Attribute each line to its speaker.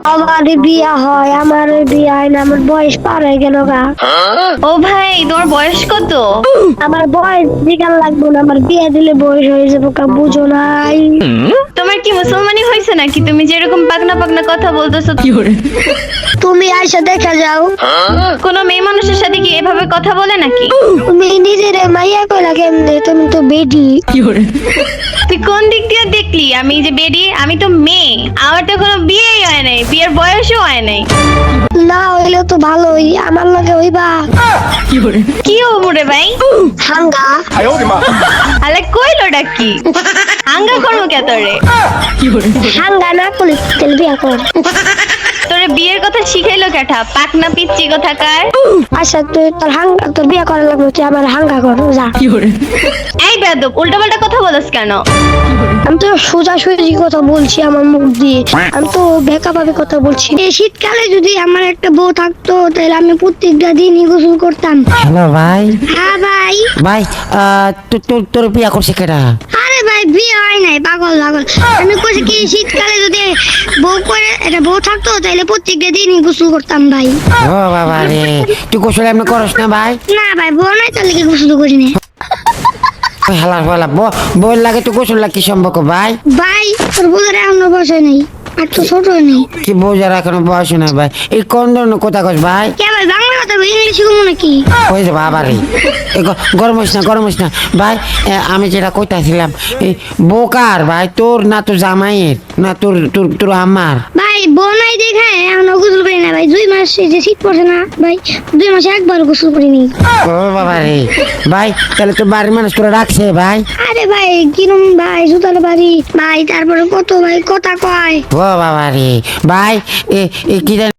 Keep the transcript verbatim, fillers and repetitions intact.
Speaker 1: আমার বিয়া হয়, আমার বিয়া হয় না, আমার বয়স পার হয়ে গেল গা।
Speaker 2: ও ভাই, তোমার বয়স কত?
Speaker 1: আমার বয়স জিগার লাগবে না, আমার বিয়ে দিলে বয়স হয়ে যাবো কা, বুঝো নাই?
Speaker 2: তোমার কি মুসলমানি হয়েছে নাকি? তুমি যেরকম পাকনা পাকনা কথা বলতেছো।
Speaker 1: তুমি আইসা দেখা যাও।
Speaker 2: কোন মেয়ে মানুষের সাথে কি এভাবে কথা বলে নাকি?
Speaker 1: তুমি নিজের মাইয়া কইলা কেমনে? তুমি তো বেডি।
Speaker 2: তুই কোন দিক দিয়ে দেখলি আমি যে বেডি? আমি তো মেয়ে, আমার তো কোনো বিয়েই হয় নাই, বিয়ের বয়সও হয় নাই।
Speaker 1: না হইলে তো ভালোই, আমার লগে হইবা।
Speaker 2: কি হবো রে ভাই?
Speaker 1: হাঙ্গা।
Speaker 2: আলে কইলোটা কি? আঙ্গা করবো কে তোরে?
Speaker 1: হাঙ্গা না করলে তাহলে বিয়া কর।
Speaker 2: তোরে বিয়ের কথা শিখাইলো কেটা? পাকনা পিচ্চি কোথাকার।
Speaker 1: আচ্ছা তুই তোর হাঙ্গা, তোর বিয়া করার লাগবে, তুই আমার হাঙ্গা কর যা।
Speaker 2: এই বেয়াদব, উল্টাপাল্টা কথা বলছ কেন?
Speaker 1: আমি তো সোজা সুজি কথা বলছি আমার মুখ দিয়ে, আমি তো বেকা ভাবে কথা বলছি। এই শীতকালে যদি আমার একটা বউ থাকতো তাহলে আমি প্রত্যেকটা দিনই গোসল করতাম।
Speaker 3: হ্যালো ভাই।
Speaker 1: হ্যাঁ ভাই।
Speaker 3: ভাই আহ, তো- তো- তোর বিয়া করছে কেডা?
Speaker 1: আরে ভাই বিয়ে হয় নাই, পাগল পাগল। আমি কইছি কি শীতকালে যদি বউ করে একটা বউ থাকতো তাহলে প্রত্যেকটা দিনই গোসল করতাম ভাই।
Speaker 3: ও বাবা রে, তুই গোসল এমনি করস না ভাই?
Speaker 1: না ভাই বউ নাই তাহলে কি গোসল করি না।
Speaker 3: হেলা বলা বল লাগে, তুই গোসল লাগে কি সম্পর্ক ভাই?
Speaker 1: ভাই তোর বোঝার এখনো বসে নেই, আর তো ছোট নেই।
Speaker 3: কি বোঝার এখনো বয়স না ভাই? এই কোন ধরনের কথা কস ভাই?
Speaker 1: কে ভাই বাংলা কথা ইংলিশ শিখবো নাকি?
Speaker 3: ওই যে বাবা রে, এ গ- গরম হইস না গরম হইস না ভাই। এ, আমি যেটা কইতাছিলাম, এই বোকার ভাই, তোর না তোর জামাইয়ের না তোর তোর তোর আমার?
Speaker 1: ভাই বউ নাই দেখায় এখনো গোসল করি না ভাই। দুই মাস এই যে শীত পড়ছে না ভাই, দুই মাসে একবার গোসল করিনি।
Speaker 3: ও বাবা রে ভাই, তাহলে তোর বাড়ির মানুষ তোরা রাখছে ভাই?
Speaker 1: আরে ভাই কিরম ভাই, জুতার বাড়ি ভাই, তারপরে কত ভাই কথা কয়।
Speaker 3: ও বাবা রে ভাই, এ এ কি জানি